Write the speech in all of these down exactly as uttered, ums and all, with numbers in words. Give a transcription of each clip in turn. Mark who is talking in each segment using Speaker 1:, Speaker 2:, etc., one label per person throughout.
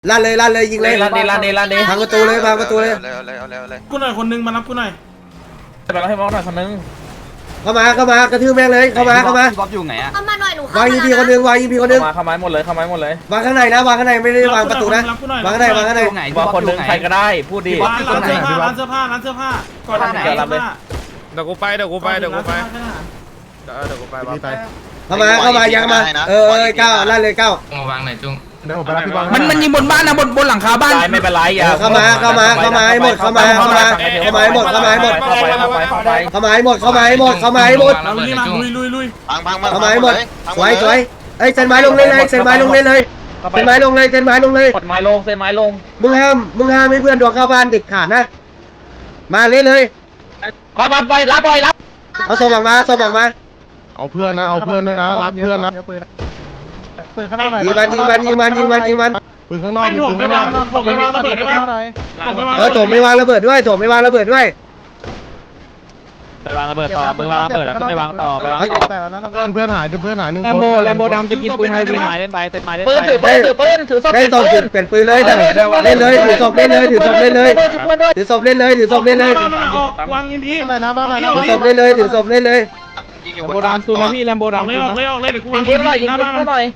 Speaker 1: ลั่นเลยลั่นเลยยิงเลย
Speaker 2: ลั่นดิลั่นดิลั่นดิ
Speaker 1: พังประตูเลยพังประตูเลย
Speaker 3: เร็วเร็วเร็วเร็ว
Speaker 4: กูหน่อยคนนึงมารับกูหน่อย
Speaker 2: ไปรับให้มองหน่อยคนนึง
Speaker 1: เข้ามาเข้ามากระทืบแม่งเลยเข้ามาเข้ามา
Speaker 5: บ๊อบอยู่ไหนอะ
Speaker 6: เข้ามาหน่อยหนู
Speaker 1: วางอีพีคนหนึงวางอีพีคนหนึง
Speaker 2: มาเข้าไม้หมดเลยเข้าไม้หมดเลยว
Speaker 1: างข้างในนะวางข้างในไม่ได้วางประตูนะวางข้างในวางข้างใน
Speaker 5: อยู่ไหน
Speaker 2: ว่าคนนึงใครก็ได้พูดดิ
Speaker 4: ร้านร้านเสื้อผ้าร้านเสื้อผ้าร้านเสื้อผ้าก่อนร้านเสื้อผ้า
Speaker 7: เดี๋ยวกูไปเดี๋ยวกูไปเดี๋ยวกูไปเดี๋ยวเดี๋ยวกูไปบ้าไป
Speaker 1: เข้ามาเข้ามายังมาเออเออเก้าลั่นเลยเก้า
Speaker 7: มาวางไหนจุ้ง
Speaker 8: เดี๋ยวผมไปรับพี่บอล
Speaker 5: มันมันยิงบนบ้านนะบนบนหลังคาบ้าน
Speaker 2: ไม่เป็นไรอย่า
Speaker 1: เข้ามาเข้ามาเข้ามาให้หมดเข้ามาเข้ามาเข้ามาให้หมดเข้ามาให้หมด
Speaker 2: เข้าไปเข้าไปเข้าไป
Speaker 1: เข้ามาให้หมดเข้ามาให้หมดเข้ามาให้หมด
Speaker 4: เราลุยมาลุยลุยลุย
Speaker 3: พังพังมา
Speaker 1: เข้ามาให้หมดสวยสวยเอ้ยเซ็นไม้ลงเลยเลยเซ็นไม้ลงเลยเลยเซ็นไม้ลงเลยเซ็นไม้ลงเลย
Speaker 2: กดไม้ลงเส้นไม้ลง
Speaker 1: มึงห้ามมึงห้ามให้เพื่อนดวงเข้าบ้านเด็ดขาดนะมาเลยเลย
Speaker 2: ขอมาไปรับไปรับ
Speaker 1: เอาส่งออกมาส่งออกมา
Speaker 8: เอาเพื่อนนะเอาเพื่อนด้วยนะรับเพื่อนนะปืนข้างนอกหน่อย
Speaker 1: ยิงมันยิงมันยิงมันยิงมันยิงมัน
Speaker 8: ปืนข้างนอก
Speaker 4: ไม่ถ่วง
Speaker 8: ปืน
Speaker 4: ไม่
Speaker 8: ข้างน
Speaker 4: วา
Speaker 8: อง ก
Speaker 4: ถ่วงไม่วางระเบิดได้ไหมถ่วงไม่วาง
Speaker 1: เออโถมไม่วางระเบิดด้วยโถมไม่วางระเบิดด้วย
Speaker 7: ไปวางระเบิดต่อมึงวางระเบิดแล้วก็ไปวางต่อไปวางต่อ
Speaker 8: แต่นั้นเพื่อนเพื่อนหายเพื่อนหายหนึ่ง
Speaker 7: แลมโบแลมโบดำจะกินปืนไทยปืนหมายเล่นไปเต้นไม้เล่น
Speaker 2: ปืน
Speaker 7: ไป
Speaker 2: ถือปืนถือปืนถือศพ
Speaker 1: เล่นศพถือเปลี่ยนปืนเลยเล่นเลยถือศพเล่นเลยถือศพเล่นเลยถือศพเล่นเลยถือศพเล่นเลย
Speaker 4: ออกวางยินดี
Speaker 8: อะไรนะบ้างอะไรนะ
Speaker 1: ถือศพเล่นเลยถือศพเล่นเลย
Speaker 3: ยิงอยู่
Speaker 7: แลมโบดำซูนะพี่แลมโบ
Speaker 4: ออก
Speaker 7: ดำ
Speaker 4: เลยออกเลยออกเลยเดี๋ยวกู
Speaker 2: ยิ
Speaker 4: วาง
Speaker 2: ง
Speaker 4: ยิ
Speaker 2: ยิ
Speaker 4: น
Speaker 2: งหน่อย
Speaker 4: ดี
Speaker 2: ยิง
Speaker 4: หน้า
Speaker 2: ปื
Speaker 4: บ้าน
Speaker 2: นหน่อย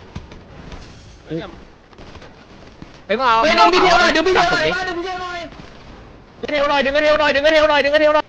Speaker 7: ไปก็เอา
Speaker 2: ไปดึงพี่เทวหน่อยดึงพี่เทวหน่อยดึงพี่เทวหน่อยดึงเทวหน่อยดึงเทวหน่อยดึงเทวหน่อยดึงเทวหน่อย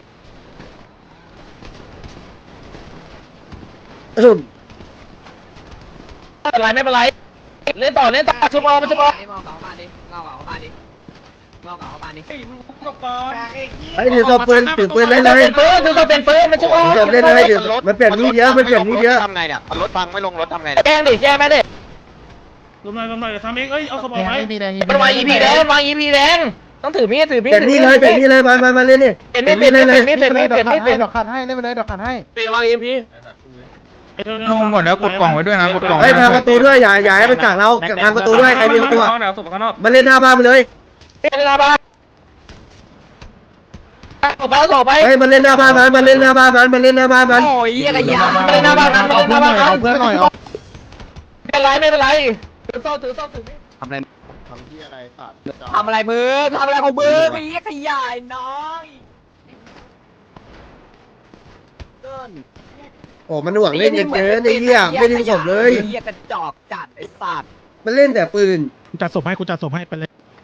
Speaker 1: อืม
Speaker 2: ไม่เป็นไรไม่เป็นไรเล่นต่อเล่นต่อชุบออกมันชุบออก
Speaker 5: เมาเก่าบ้านดิเมาเก่าบ้านดิเมาเก่าบ้านดิ
Speaker 1: ไอ้ถือศพปืนถือปืนเล่นเลย
Speaker 2: เป็นปืนถือศพเป็นปืนมันชุบออก
Speaker 1: ถือศพเล่นเลยถือมันเปลี่ยนมีดเยอะมันเปลี่ยนมีดเยอะ
Speaker 3: ทำไงเนี่ยรถพังไม่ลงรถทำไง
Speaker 2: แจ้งดิแจ้งไหมดิ
Speaker 4: ลงหน่อยลงหน่อยเดี๋ยวทำเองเอ้ยเอาสมองไหม
Speaker 2: มันวางอีพีแดงวางอีพีแดงต้องถือมีดถือมีด
Speaker 1: เปลี่ยนมีดเลยเปลี่ยนมีดเลยมามามาเล่นนี่
Speaker 2: เปลี่ยนมีดเปลี่ยนมีดเปลี่ยนมีดเปลี่ยนมีดเปลี่ยนมีดเปลี่ยน
Speaker 8: ดอกขัดให้เล่นไปเลยดอกขัดให้
Speaker 2: เปลี่ยนวางอีพี
Speaker 7: ลงหมดแล้วกดกล่องไว้ด้วยนะกดกล่อง
Speaker 1: เฮ้ยพังประตูด้วยอย่าอย่าให้มันกักเราพังประตูด้วยใครมีประตูมาเล่นหน้าบ้านไปเลย
Speaker 2: เปลี่ยนหน้าบ้านออกไปออกไป
Speaker 1: เฮ้ยมันเล่นหน้าบ้านมันมันเล่นหน้าบ้านมันมันเล่นหน้าบ้านมัน
Speaker 2: โอ้ยยี่กระยาเล่นหน้าบ้านมัน
Speaker 8: เอา
Speaker 2: เล่นห
Speaker 8: เพื่อน
Speaker 2: น้า
Speaker 8: หน่
Speaker 2: บ้า
Speaker 8: อน ยเอาเพื่อนหน่อยเอา
Speaker 2: ไม่เป็นไรไม่เป็นไรถือโซ่ถือโซ่ถือ
Speaker 8: ทำอะไรทำที่อะไรตัด
Speaker 5: ทำอะไรมือทำอะไรของมือไปเยี่ยขยายน้อง
Speaker 1: โอ้มันหน่วงเล่นเกินไอ้เหี้ยไม่ดึงศพเลย
Speaker 5: เยี่ยกระจอกจัดไอ้สัตว์
Speaker 1: มันเล่นแต่ปืน
Speaker 8: กูจัดศพให้กูจัดศพให้ไปเลย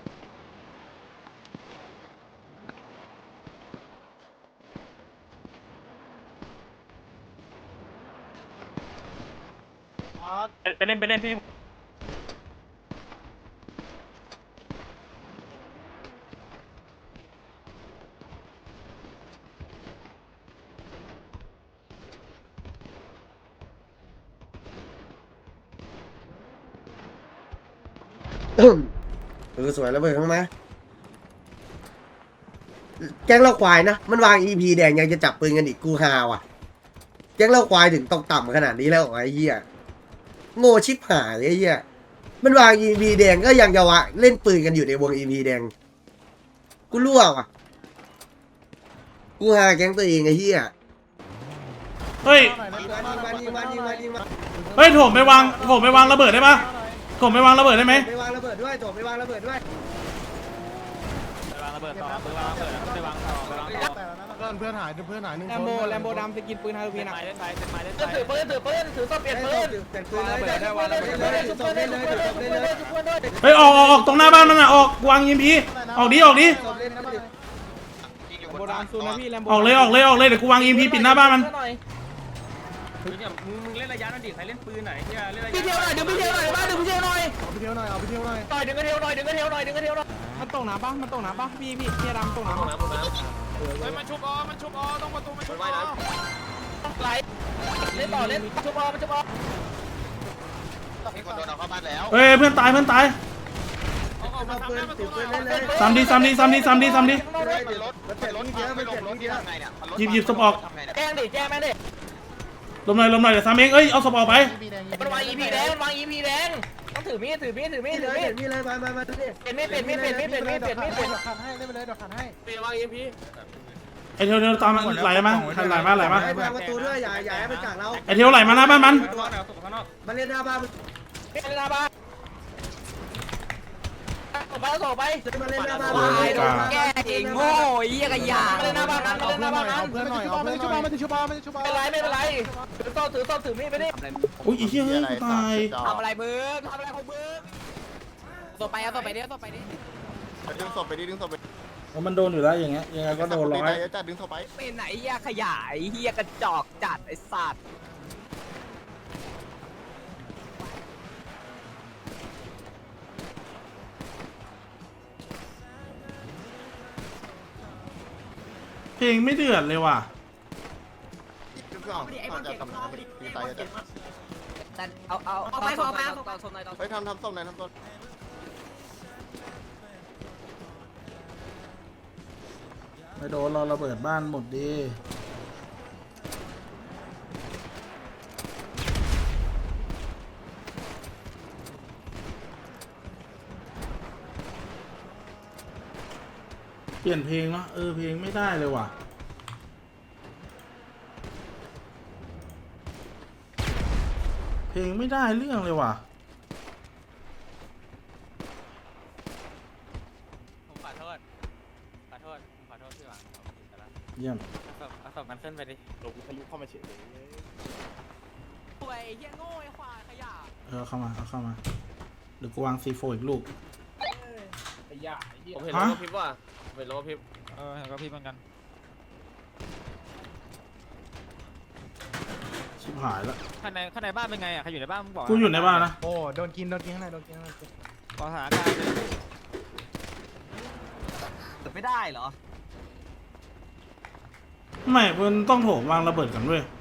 Speaker 4: ไปเล่นไปเล่นพี่
Speaker 1: เออสวยแล้วเบิดข้างมาแก๊งเราควายนะมันวาง อี พี แดงยังจะจับปืนกันอีกกูฮาว่ะแก๊งเราควายถึงตกต่ำขนาดนี้แล้วเหรอไอ้เหี้ยโง่ชิบหายไอ้เหี้ยมันวาง อี พี แดงก็ยังจะวะเล่นปืนกันอยู่ในวง อี พี แดงกูรั่วว่ะกูฮาแก๊งตัวเองไอ้เหี้ย
Speaker 4: เฮ้ยเฮ้ยโถมไม่วางโถมไม่วางระเบิดได้ปะโถมไม่วางระเบิดได้ไหม
Speaker 1: ไม่วางระเบิดด้วยโถไม่วางระเบิดด้วย
Speaker 7: วางระเบิดต่อมือวางระเบิดแล้วก็ไปวางต่อไปวางต่อ
Speaker 8: เพื่อนเพื่อนหายเพื่อนหายหนึ่ง
Speaker 7: แลมโบแลมโบดำจะกินปืนไทยพี่นะเล่นไปเล่นไปเล่นไป
Speaker 2: ถือปืนถือปืนถือโซ่เปลี่ยนปืน
Speaker 1: เปลี่ยนปืนเลยเปลี่ยนปืนเลยเปลี่ยนปืนเลยถือศพเล่นเลยถือศพเล่นเลย
Speaker 4: เฮ้ยออกออกออกตรงหน้าบ้านมันอ่ะออกวางยินพีออกดิออกดิ
Speaker 1: ศพเล่นนะ
Speaker 3: ยิงอยู่
Speaker 7: แลมโบดำซูนะพี่แลมโบ
Speaker 4: ออกเลยออกเลยออกเลยเดี๋ยวกูวางยินพีปิดหน้าบ้านมัน
Speaker 7: มึงมึงเล่นระยะนั่นดิใครเล่นปืนไหนที่เล่นระยะ
Speaker 2: พี่เทวหน่อยดึงพี่เทวหน่อยบ้านดึงพี่เทวหน่อย
Speaker 8: เอาไปเที่ยวหน่อยเอาไปเที่ยวหน่อย
Speaker 2: ต่อยดึงกระเทวหน่อยดึงกระเทวหน่อยดึงกระเทวหน่อย
Speaker 7: มันตกน้ำปะมันตกน้ำปะพี่พี่พี่ดำตกน้ำ
Speaker 9: เฮ้ยมันชุบออมันชุบออต้องประตูมันชุบออ
Speaker 2: ไหลเล่นต่อเล่นชุบอมันชุบอ
Speaker 3: มีคนโดนเอาเข้าบ้านแล้ว
Speaker 4: เฮ้ยเพื่อนตายเพื่อนตาย
Speaker 9: เอาออกมาทำหน้าประตูหน่อย
Speaker 1: เล่นเลย
Speaker 4: ซ้ำดิซ้ำดิซ้ำดิซ้ำดิซ้ำดิ
Speaker 3: รถมันเป็นรถเยอะไม่ลงรถที่ทำไงเนี่ย
Speaker 4: หยิบหยิบศพออก
Speaker 3: ทำไงเนี่ย
Speaker 2: แจ้งดิแจ้งแม่ดิ
Speaker 4: ลมหน่อยลมหน่อยเดี๋ยวซ้ำเองเอ้ยเอาศพออกไป
Speaker 2: มันวางอีพีแดงมันวางอีพีแดงต้องถือมีดถือมีดถือมีดถือมีด
Speaker 1: นี่เลยมามามาดิ
Speaker 2: เปลี่ยนมีดเปลี่ยนมีดเปลี่ยนมีดเปลี่ยนมีดเปลี่ยนมีดเปลี่ยน
Speaker 8: ดอกขัดให้เล่นไปเลยดอกขัดให้
Speaker 2: เปลี่ยนวางอีพี
Speaker 4: ไอเทียวเทียวตามมันไหลมาไหลมาไหลมา
Speaker 1: ให้พังประตูด้วยอย่าอย่าให้มันกักเรา
Speaker 4: ไอเทียวไหลมาหน้าบ้านมัน
Speaker 1: มันเล่นหน้าบ้าน
Speaker 2: เปลี่ยนหน้าบ้านไปเอาศพไป
Speaker 1: มาเล่นหน้าบ้าน
Speaker 5: ควายโดนแก้เองโง่ไอ้เหี้ยขยะ
Speaker 2: มาเล่นหน้าบ้านนั้นมาเล่นหน้าบ้านนั้น
Speaker 8: เอาเพื่อนหน่อยเอาเพื่อนหน่อยมันจะชุบมันจะชุบ
Speaker 2: ไม่เป็นไรไม่เป็นไรถือโซ่ถือโซ่ถือมีดไปดิ
Speaker 4: อุ้ยไอ้เหี้ยเฮ้ยกูตาย
Speaker 5: ทำอะไรมึงทำอะไรของมึงต่อไปเอาต่อไปดิต่อไปดิ
Speaker 3: ดึงศพไปดิดึงศพไป
Speaker 4: มันโดนอยู่แล้วอย่างเงี้ยยังไงก็โดนร้อย
Speaker 3: จัดดึงศพไป
Speaker 5: เป็นไหนเหี้ยขยะไอ้เหี้ยกระจอกจัดไอ้สัตว์
Speaker 4: เพลงไม่เดือดเลยว่ะ
Speaker 3: ดึงศพไอ้บอลเจ็บตีตายจะ
Speaker 5: แต่เอาเอาเอาไปเอาไปเอาไปชนหน่อย
Speaker 3: เฮ้ยทำทำศพหน่อยทำศพ
Speaker 4: ไม่โดนเราระเบิดบ้านหมดดีเปลี่ยนเพลงเนาะเออเพลงไม่ได้เลยว่ะเพลงไม่ได้เรื่องเลยว่ะ
Speaker 7: ผมขอโทษขอโทษขอโทษพี่หวังผมผิดไปแล้ว
Speaker 4: เยี่ยม
Speaker 7: เอาศพมันขึ้นไปดิ
Speaker 5: ป่วยเหี้ยโง่ไอ้ควายขยะ
Speaker 4: เออเข้ามาเอาเข้ามาเดี๋ยวกูวางซีโฟอีกลูก
Speaker 2: ผมเห็นรถพิบว่ะผมเห็นรถพิบ
Speaker 7: เออเห็นก็พี่เหมือนกัน
Speaker 4: ชิบหายแล้ว
Speaker 7: ข้างในข้างในบ้านเป็นไงอ่ะใครอยู่ในบ้านมึงบอก
Speaker 4: กูอยู่ในบ้านนะ
Speaker 8: โอ้โดนกินโดนกินข้างในโดนกินข้างใน
Speaker 7: ขอสถานการณ์เลย
Speaker 5: แต่ไม่ได้เหรอ
Speaker 4: ไม่มันต้องโถมวางระเบิดกันเว้ย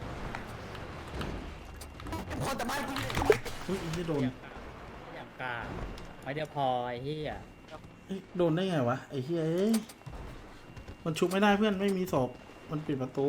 Speaker 4: อุ้ยไม่โดน
Speaker 2: อย่างกาไอเดียวพอไอ้เหี้ย
Speaker 4: เอ้ยโดนได้ไงวะไอ้เฮ้ยเอ้ยมันชุบไม่ได้เพื่อนไม่มีศพมันปิดประตู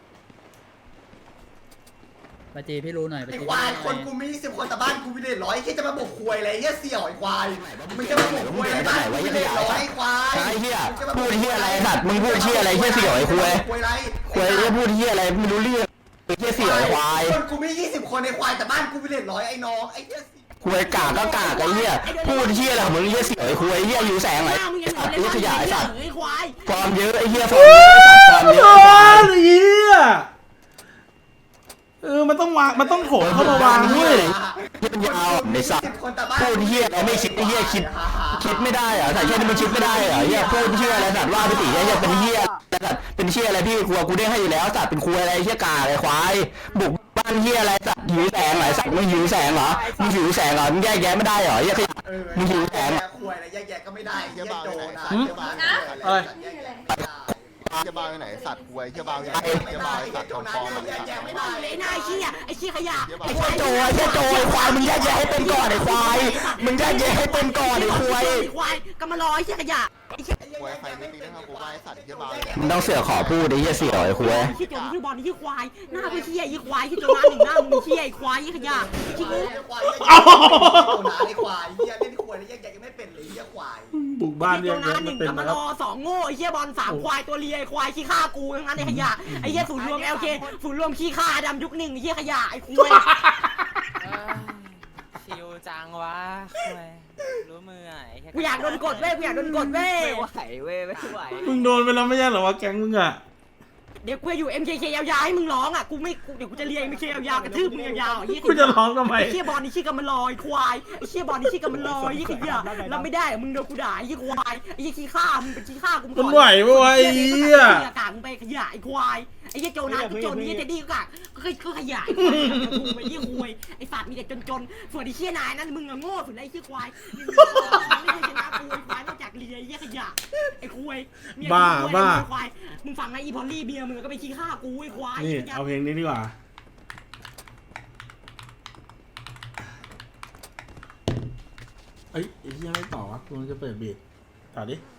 Speaker 2: ปาจีพี่รู้หน่อยปา
Speaker 1: ไอ้
Speaker 2: จี
Speaker 1: ควายคนกูมีสิบคนแต่บ้านกูมีเด็ดร้อยแค่จะมาบุกควยอะไรเหี้ยเสี่ยวไอ้ควายมึงจะมาบุกควยอะไรบ้านกูมีเด็ดร้อยไอ้ควาย
Speaker 6: ไอ้เหี้ยพูดเหี้ยอะไรสัตว์มึงพูดเหี้ยอะไรเหี้ยเสี่ยวไอ้คุย
Speaker 1: ควยอะไร
Speaker 6: คุยเหี้ยพูดเหี้ยอะไรไม่รู้เรื่องเหี้ยเสี่ยวไอ้ควาย
Speaker 1: คนกูมียี่สิบคนในควายแต่บ้านกูมีเด็ดร้อยไอ้น้องไอ้เหี้ย
Speaker 6: คุยกากก็กากไอ้เหี้ยพูดเหี้ยอะไรของมึงเหี้ยเสี่ยวไอ้คุยเหี้ยอยู่แสงไหนสัตว์เหี้ยขยะไอ้สัตว์ฟอร์มเยอะไอ้เหี้ยฟอร์มเยอะฟอร์มเย
Speaker 4: โด
Speaker 6: อะ
Speaker 4: นไอ้เหี้ยเออมันต้องวางมันต้องโถมเข้ามาวางเว้ย
Speaker 6: เหี้ยยาวในสัตว์พูดเหี้ยอะไรไม่คิดไอ้เหี้ยคิดคิดไม่ได้เหรอแต่แค่นี้มันคิดไม่ได้เหรอเหี้ยพูดเหี้ยอะไรสัตว์ว่าไปติเหี้ยเป็นเหี้ยสัตว์เป็นเหี้ยอะไรพี่ครัวกูได้ให้อยู่แล้วสัตว์เป็นครัวอะไรเหี้ยกาอะไรควายบุกบ้านเหี้ยอะไรสัตว์หิวแสงเหรอสัตว์มึงหิวแสงเหรอมึงหิวแสงเหรอมึงแยกแยะไม่ได้เหรอเหี้ยมึงหิวแสง
Speaker 1: ควยอะไรแยกๆก็ไม่ได้เหี้ยโจนะ
Speaker 4: อะไร
Speaker 3: เชี่ยบ้าไปไหนสัตว์ควยเชี่ยบ้าไปไหนเชี่ยบ้าสัตว์ทองฟอง
Speaker 1: แยกๆไม่ได้
Speaker 5: ไอ้นายเหี้ยไอ้เหี้ยขยะ
Speaker 6: ไอ้เหี้ยโจไอ้เหี้ยโจไอ้ควายมึงแยกแยะให้เป็นก่อนไอ้ควายมึงแยกแยะให้เป็นก่อนไอ้ควาย
Speaker 5: ควายก็มารอไอ้เหี้ยขยะ
Speaker 3: ควยใครไม่ตีนะครับกูว่าไอ้สัตว์เชี่ยบ้า
Speaker 6: มึงต้องเสือกขอพูดไอ้เหี้ยเสี่ยวไอ้ควาย
Speaker 5: ไอ้เหี้ยโจนี่คือบอลนี่คือควายหน้าคือเหี้ยไอ้ควายที่โจน้าหนึ่งหน้ามึงเหี้ยไอ้ควายไอ้ขยะขี้งู
Speaker 1: ควายโจนะไอ้ควายเหี้ยเล่นควยแล้วแยกๆก็ไม่เป็นเลยเหี้ยควาย
Speaker 4: บุกบ้าน
Speaker 5: โจ
Speaker 4: เรียก
Speaker 5: น้า
Speaker 4: เยอะ
Speaker 5: ห
Speaker 4: มั
Speaker 5: นึ่
Speaker 4: น
Speaker 5: ง
Speaker 4: เป็น
Speaker 5: กับ
Speaker 4: นะ
Speaker 5: มา
Speaker 4: ค
Speaker 5: ร
Speaker 4: รับ
Speaker 5: อสองโง่ไอ้เหี้ยบอลสามควายตัวเลียไอ้ควายขี้ฆ่ากูทั้งนั้นไอ้ขยะไอ้เหี้ยศูนย์รวม แอล เค ศูนย์รวมขี้ฆ่าดำยุคหนึ่งไอ้เหี้ยขยะไอ้ควาย
Speaker 7: ชิวจังวะรู้มือไอ้
Speaker 5: กูอยากโดนกดเว้ยกูอยากโดนกดเว้ยไม่ไหวเว้ยไม่ไหว
Speaker 4: มึงโดนไปแล้วไม่ใช่เหรอวะแก๊งมึงอะ
Speaker 5: เดี๋ยวกูจะอยู่ เอ็ม เค เค ยาวๆให้มึงร้องอ่ะกูไม่กูเดี๋ยวกูจะเรียน เอ็ม เค ยาวๆกระทืบมึงยาวๆไอ้เหี้ย
Speaker 4: กูจะร้องทำไม
Speaker 5: ไอ้เชี่ยบอลนี่ชื่อกันมันลอยควายไอ้เชี่ยบอลนี่ชื่อกันมันลอยยี่ขยะรับไม่ได้มึงโดนกูด่าไอ้ยี่ควายไอ้ยี่ขี้ข้ามึงเป็นขี้ข้ากู
Speaker 4: มันไหวปะวะไอ้เหี้ย
Speaker 5: ไอ้กากมึงไปขยะไอ้ควายไอ้ยี่โจนะไอ้โจนี่เจดี้ก็กากก็ขยะไอ้ควายกูไปยี่ควายไอ้สัตว์มีแต่จนๆส่วนไอ้เชี่ยนายนั้นมึงอะโง่สุดไอ้ขี้ควายไม่เคยชนะกูไอ้ควายนอกจากเลียไอ้ยี่ขยะไอ้ควายมึงฟังนะอีพอลลี่เบียร์มึงก็ไปขี้ข้ากูไอ้ควาย
Speaker 4: นี่เอาเพลงนี้ดีกว่าเอ้ยไอ้เหี้ยไม่ต่อวะกูจะเปิดบีทต่อดิ